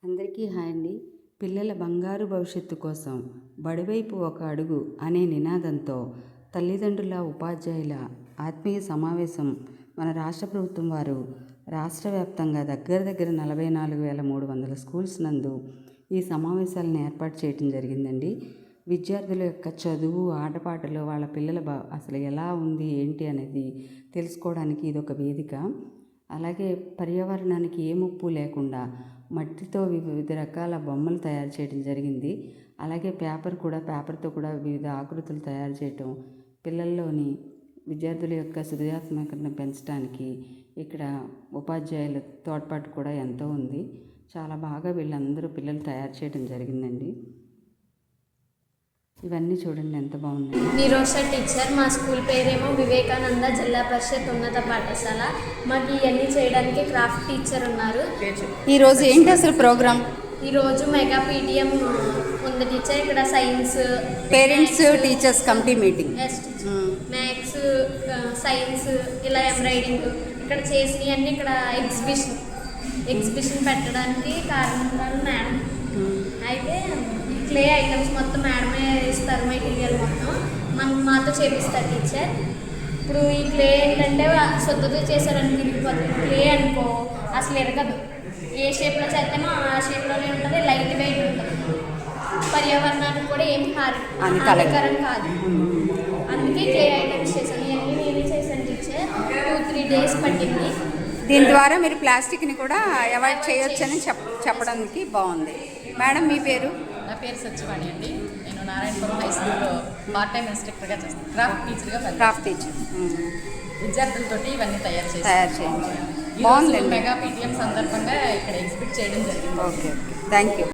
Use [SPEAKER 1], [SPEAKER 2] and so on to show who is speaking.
[SPEAKER 1] అందరికీ హాయ్ అండి. పిల్లల బంగారు భవిష్యత్తు కోసం బడివైపు ఒక అడుగు అనే నినాదంతో తల్లిదండ్రుల ఉపాధ్యాయుల ఆత్మీయ సమావేశం మన రాష్ట్ర ప్రభుత్వం వారు రాష్ట్ర వ్యాప్తంగా దగ్గర 44,300 స్కూల్స్ నందు ఈ సమావేశాలను ఏర్పాటు చేయడం జరిగిందండి. విద్యార్థుల యొక్క చదువు, ఆటపాటలు, వాళ్ళ పిల్లల అసలు ఎలా ఉంది ఏంటి అనేది తెలుసుకోవడానికి ఇదొక వేదిక. అలాగే పర్యావరణానికి ఏ ముప్పు లేకుండా మట్టితో వివిధ రకాల బొమ్మలు తయారు చేయడం జరిగింది. అలాగే పేపర్తో కూడా వివిధ ఆకృతులు తయారు చేయటం, పిల్లల్లోని విద్యార్థుల యొక్క సృజనాత్మకతను పెంచడానికి ఇక్కడ ఉపాధ్యాయుల తోడ్పాటు కూడా ఎంతో ఉంది. చాలా బాగా వీళ్ళందరూ పిల్లలు తయారు చేయడం జరిగిందండి. ఇవన్నీ చూడండి ఎంత బాగుంది.
[SPEAKER 2] నిరోష టీచర్. మా స్కూల్ పేరేమో వివేకానంద జిల్లా పరిషత్ ఉన్నత పాఠశాల. మాకు ఇవన్నీ చేయడానికి క్రాఫ్ట్ టీచర్ ఉన్నారు.
[SPEAKER 3] ఈరోజు ఏంటి అసలు ప్రోగ్రామ్?
[SPEAKER 2] ఈరోజు మెగా పీటీఎం ఉంది టీచర్. ఇక్కడ science,
[SPEAKER 3] parents teachers committee meeting,
[SPEAKER 2] maths, science, ఇలా ఎంబ్రాయిడింగ్ ఇక్కడ చేసినవన్నీ ఇక్కడ ఎగ్జిబిషన్ పెట్టడానికి కారణం మేడం. అయితే క్లే ఐటమ్స్ మొత్తం మేడమే ఇస్తారు, మెటీరియల్ మొత్తం మాతో చేపిస్తారు టీచర్. ఇప్పుడు ఈ క్లే ఏంటంటే శుద్ధత చేశారని తిరిగిపోతుంది. క్లే అనుకో అసలు ఎరగదు. ఏ షేప్లో చేస్తామో ఆ షేప్లోనే ఉంటుంది, లైట్ వెయిట్ ఉంటుంది, పర్యావరణానికి కూడా ఏం హానికరం కాదు. అందుకే క్లే ఐటమ్స్ చేశాను. ఇవన్నీ నేనే చేశాను టీచర్. 2-3 days పట్టింది.
[SPEAKER 3] దీని ద్వారా మీరు ప్లాస్టిక్ని కూడా అవాయిడ్ చేయొచ్చని చెప్పడానికి బాగుంది. మేడం మీ పేరు?
[SPEAKER 4] నా పేరు సత్యవాణి అండి. నేను నారాయణపురం హై స్కూల్లో పార్ట్ టైం ఇన్స్ట్రక్టర్గా చేస్తాను. Craft teacher. విద్యార్థులతోటి ఇవన్నీ తయారు చేయండి. బాగుంది. మెగా పీటీఎం సందర్భంగా ఇక్కడ ఎగ్జిబిట్ చేయడం జరిగింది.
[SPEAKER 3] Okay, thank you.